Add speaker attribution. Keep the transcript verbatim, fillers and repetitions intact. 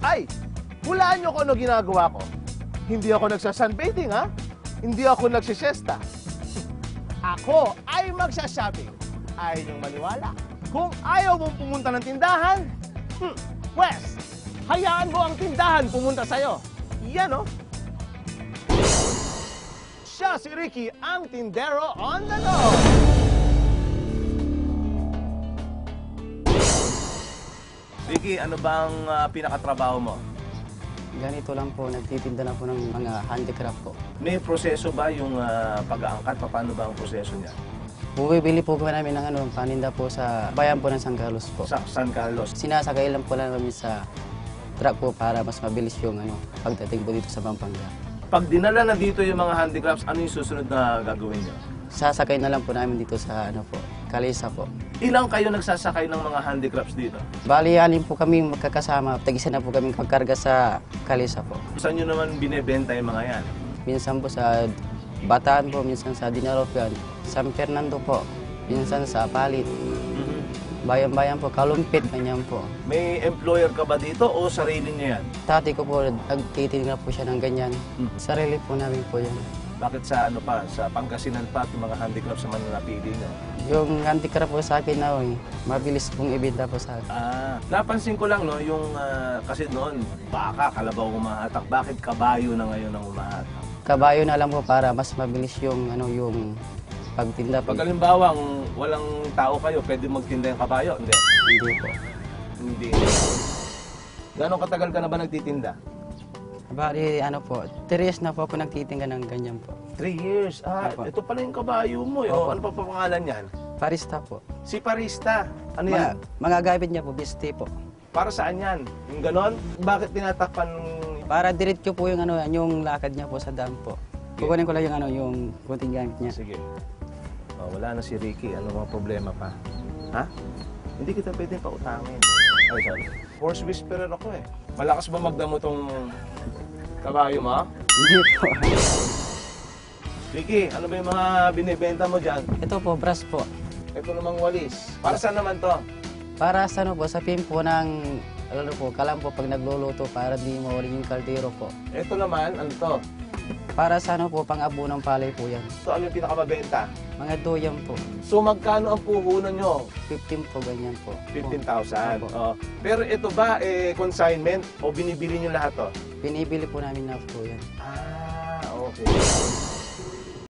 Speaker 1: Ay, hulaan nyo kung ano ginagawa ko. Hindi ako nagsa-sunbathing, ha? Hindi ako nagsisiesta. Ako ay magsha-shopping. Ayaw niyong maniwala. Kung ayaw mong pumunta ng tindahan, hmm, Wes, hayaan mo ang tindahan pumunta sa'yo. Yan, oh. Siya si Ricky, ang tindero on the go. Ricky, ano bang uh, pinakatrabaho mo?
Speaker 2: Ganito lang po, nagtitinda na po ng mga handicraft po.
Speaker 1: May proseso ba yung uh, pag-aangkat? Paano ba ang proseso niya?
Speaker 2: Bumibili po po namin ng ano, paninda po sa bayan po ng San Carlos po.
Speaker 1: Sa San Carlos?
Speaker 2: Sinasakay lang po lang kami sa truck po para mas mabilis yung ano, pagdating po dito sa Pampanga.
Speaker 1: Pag dinala na dito yung mga handicrafts, ano yung susunod na gagawin niyo?
Speaker 2: Sasakay na lang po namin dito sa ano po, Kalisa po.
Speaker 1: Ilang kayo nagsasakay ng mga handicrafts dito?
Speaker 2: Bali, alin po kami magkakasama. Tag-isa na po kami pagkarga sa Kalisa po.
Speaker 1: Saan nyo naman binebenta yung mga yan?
Speaker 2: Minsan po sa Bataan po, minsan sa Dinaropian, San Fernando po, minsan sa Palit. Bayan-bayan po, Kalumpit, ganyan po.
Speaker 1: May employer ka ba dito o sarili niya yan?
Speaker 2: Tati ko po, nagtitinda po siya ng ganyan. Sarili po namin po yan.
Speaker 1: Bakit sa ano pa, sa Pangasinan pa, yung mga handicrafts naman na napili nyo?
Speaker 2: Yung handicraft po sa akin na, eh, mabilis pong ibenta po sa akin.
Speaker 1: Ah, napansin ko lang, no, yung ah, kasi noon, baka, kalabaw umahatak. Bakit kabayo na ngayon ang umahatak?
Speaker 2: Kabayo na lang po para mas mabilis yung, ano, yung pagtinda po.
Speaker 1: Pag halimbawa, walang tao kayo, pwede magtinda yung kabayo? Hindi.
Speaker 2: Hindi po.
Speaker 1: Hindi. Gano'ng katagal ka na ba nagtitinda?
Speaker 2: Bali, ano po, three years na po ako nagtitinda ng ganyan po.
Speaker 1: Three years. Ah,
Speaker 2: Opo.
Speaker 1: ito pala yung kabayo mo. Eh.
Speaker 2: Opo.
Speaker 1: Oh, ano pa pa pangalan yan?
Speaker 2: Parista po.
Speaker 1: Si Parista. Ano
Speaker 2: Mga,
Speaker 1: yan?
Speaker 2: mga gamit niya po, bisti po.
Speaker 1: Para saan yan? Yung ganon? Bakit tinatakpan?
Speaker 2: Para diretso po yung, ano, yung lakad niya po sa dam po. Kukunin ko lang yung, ano, yung kunting gamit niya.
Speaker 1: Sige. Oh, wala na si Ricky. Ano mga problema pa? Ha? Hindi kita pwede pautangin. Ay, sorry. Horse whisperer ako eh. Malakas ba magdamo tong kabayo mo?
Speaker 2: Hindi po.
Speaker 1: Ricky, ano ba yung mga binibenta mo dyan?
Speaker 2: Ito po, brass po.
Speaker 1: Ito namang walis. Para saan naman to?
Speaker 2: Para sa ano po, sa pin po ng, ano po, kalam po pag nagluluto para di mawalin yung kaldero po.
Speaker 1: Ito naman, ano to?
Speaker 2: Para sa ano po, pang-abo ng palay po yan.
Speaker 1: Ito, ano yung pinakamabenta?
Speaker 2: Mga doyam po.
Speaker 1: So, magkano ang puhunan nyo?
Speaker 2: fifteen po, ganyan po.
Speaker 1: fifteen thousand.
Speaker 2: Opo.
Speaker 1: Oh. Pero ito ba, eh, consignment o binibili nyo lahat to?
Speaker 2: Binibili po namin na po yan.
Speaker 1: Ah, okay.